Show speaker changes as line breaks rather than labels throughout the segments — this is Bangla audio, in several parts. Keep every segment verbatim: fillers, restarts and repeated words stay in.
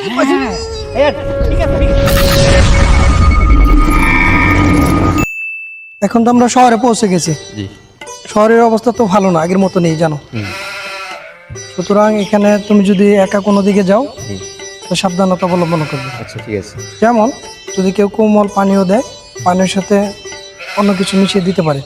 এখন তো আমরা শহরে পৌঁছে গেছি। শহরের অবস্থা তো ভালো না, আগের মতো নেই জানো। সুতরাং এখানে তুমি যদি একা কোনো দিকে যাও তো সাবধানতা অবলম্বন করবে।
আচ্ছা ঠিক আছে।
যেমন যদি কেউ কোমল পানীয় দেয়, পানির সাথে অন্য কিছু মিশিয়ে দিতে পারে।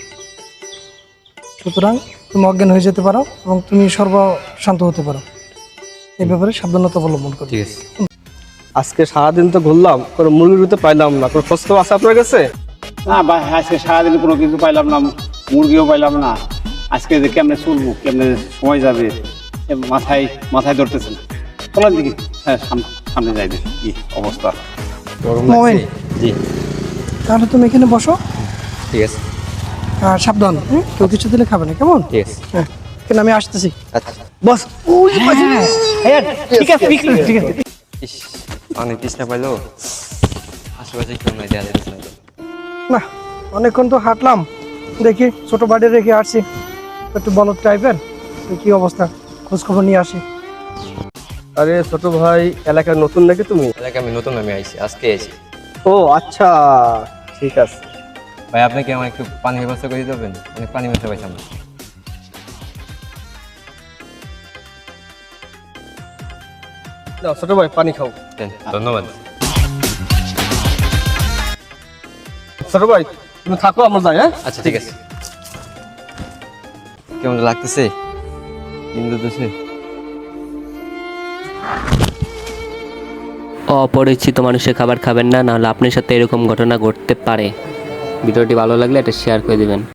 সুতরাং তুমি অজ্ঞান হয়ে যেতে পারো এবং তুমি সর্বশান্ত হতে পারো। এই ব্যাপারে সাবধানতা অবলম্বন করবে।
ঠিক আছে।
আজকে সারাদিন তো ঘুরলাম, কোনো মুরগি তো পাইলাম না। কোনো খোঁজ খবর আছে আপনার কাছে?
না ভাই, আজকে সারাদিন কোনো কিছু পাইলাম না, মুরগিও পাইলাম না। আজকে যে কেমনে চলবো, কেমনে সময় যাবে এ মাথায় মাথায় ধরতেছে না। চলেন দেখি, হ্যাঁ সাম- সামনে যাই দেখি কি অবস্থা।
মোমেন,
জি
তাহলে তুমি এখানে বসো
ঠিক আছে।
আর সাবধান, হুম? কেউ কিছু দিলে খাবে না, কেমন?
ঠিক আছে।
হ্যাঁ, এখানে আমি আসতেছি।
আচ্ছা।
বস, ওই যে পাশে। ঠিক আছে ঠিক আছে ঠিক আছে।
ইস, অনেক তৃষ্ণা পাইলো। আশেপাশে কেউ নাই, দেয়া যাচ্ছে না।
না, অনেকক্ষণ তো হাঁটলাম, দেখি ছোট বাড়ি রেখে আসছি, একটু বলদ টাইপের। তো কি অবস্থা, খোঁজ খবর নিয়ে আসি।
আরে ছোট ভাই, এলাকায় নতুন নাকি তুমি?
এলাকা আমি নতুন, আমি আইছি আজকে আইছি।
ও আচ্ছা, ঠিক আছে।
ভাই আপনি কি আমার একটু পানির ব্যবস্থা করে দিতে পারবেন? অনেক পানি ব্যবস্থা পাইছি আমরা।
নাও ছোট ভাই, পানি খাও।
দেন, ধন্যবাদ।
ছোট ভাই তুমি থাকো, আমরা যাই। হ্যাঁ
আচ্ছা ঠিক আছে। কেমন লাগতেছে কিন্তু দেশে?
অপরিচিত মানুষের খাবার খাবেন না, নাহলে আপনার সাথে এরকম ঘটনা ঘটতে পারে। ভিডিওটি ভালো লাগলে এটা শেয়ার করে দিবেন।